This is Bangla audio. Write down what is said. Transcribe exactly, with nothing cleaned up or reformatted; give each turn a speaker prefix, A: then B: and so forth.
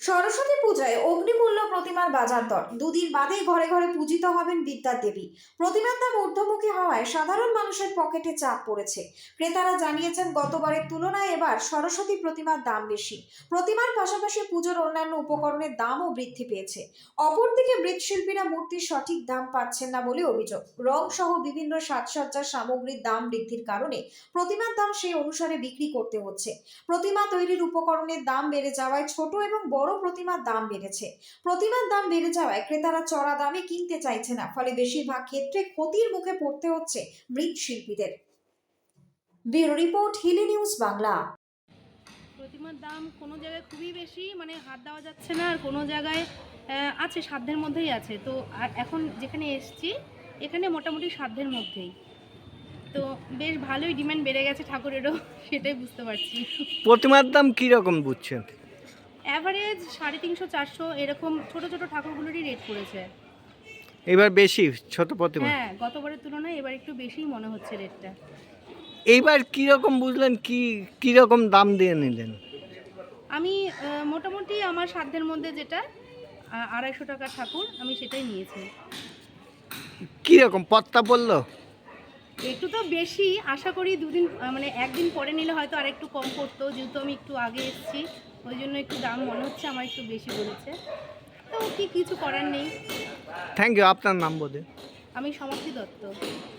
A: সরস্বতী পূজায় অগ্নিমূল্য প্রতিমার বাজার দর দুদিন বাদেই ঘরে ঘরে পূজিত হবেন বিদ্যার দেবী। প্রতিমার দাম ঊর্ধ্বমুখী হওয়ায় সাধারণ মানুষের পকেটে চাপ পড়েছে। ক্রেতারা জানিয়েছেন গতবারের তুলনায় এবার সরস্বতী প্রতিমার দাম বেশি। প্রতিমার পাশাপাশি পুজোর অন্যান্য উপকরণের দামও বৃদ্ধি পেয়েছে। অপরদিকে মৃৎশিল্পীরা মূর্তির সঠিক দাম পাচ্ছেন না বলে অভিযোগ। রং সহ বিভিন্ন সাজসজ্জার সামগ্রীর দাম বৃদ্ধির কারণে প্রতিমার দাম সেই অনুসারে বিক্রি করতে হচ্ছে। প্রতিমা তৈরির উপকরণের দাম বেড়ে যাওয়ায় ছোট এবং বড় প্রতিমার দাম বেড়েছে। প্রতিমার দাম বেড়ে যাওয়ায় ক্রেতারা চড়া দামে কিনতে চাইছে না, ফলে বেশিরভাগ ক্ষেত্রে ক্ষতির মুখে পড়তে হচ্ছে মৃৎশিল্পীদের। Bureau report, Hili news Bangla.
B: প্রতিমার দাম কোনো জায়গায় খুবই বেশি, মানে হাত দেওয়া যাচ্ছে না, আর কোনো জায়গায় আহ, আছে, সাধ্যের মধ্যেই আছে। তো আর এখন যেখানে এসছি এখানে মোটামুটি সাধ্যের মধ্যেই, তো বেশ ভালোই ডিমান্ড বেড়ে গেছে ঠাকুরেরও, সেটাই বুঝতে পারছি।
C: প্রতিমার দাম কীরকম বুঝছেন?
B: অ্যাভারেজ সাড়ে তিনশো চারশো এরকম ছোট ছোট ঠাকুরগুলোরই রেট পড়েছে।
C: এবার বেশি ছোট প্রতিমা?
B: হ্যাঁ, গতবারের তুলনায় এবার একটু বেশিই মনে হচ্ছে রেটটা।
C: এইবার কীরকম বুঝলেন, কি কীরকম দাম দিয়ে নিলেন?
B: আমি আহ, মোটামুটি আমার সাধ্যের মধ্যে যেটা আহ, আড়াইশো টাকার ঠাকুর, আমি সেটাই নিয়েছি।
C: কীরকম পত্তা পড়লো?
B: একটু তো বেশি, আশা করি দুদিন আহ, মানে একদিন পরে নিলে হয়তো আর একটু কম পড়তো, যেহেতু আমি একটু আগে এসেছি ওই জন্য একটু দাম মনে হচ্ছে আমার একটু বেশি বলেছে, তো কি কিছু করার নেই।
C: Thank you. আপনার নাম বলে?
B: আমি সমাপ্তি দত্ত।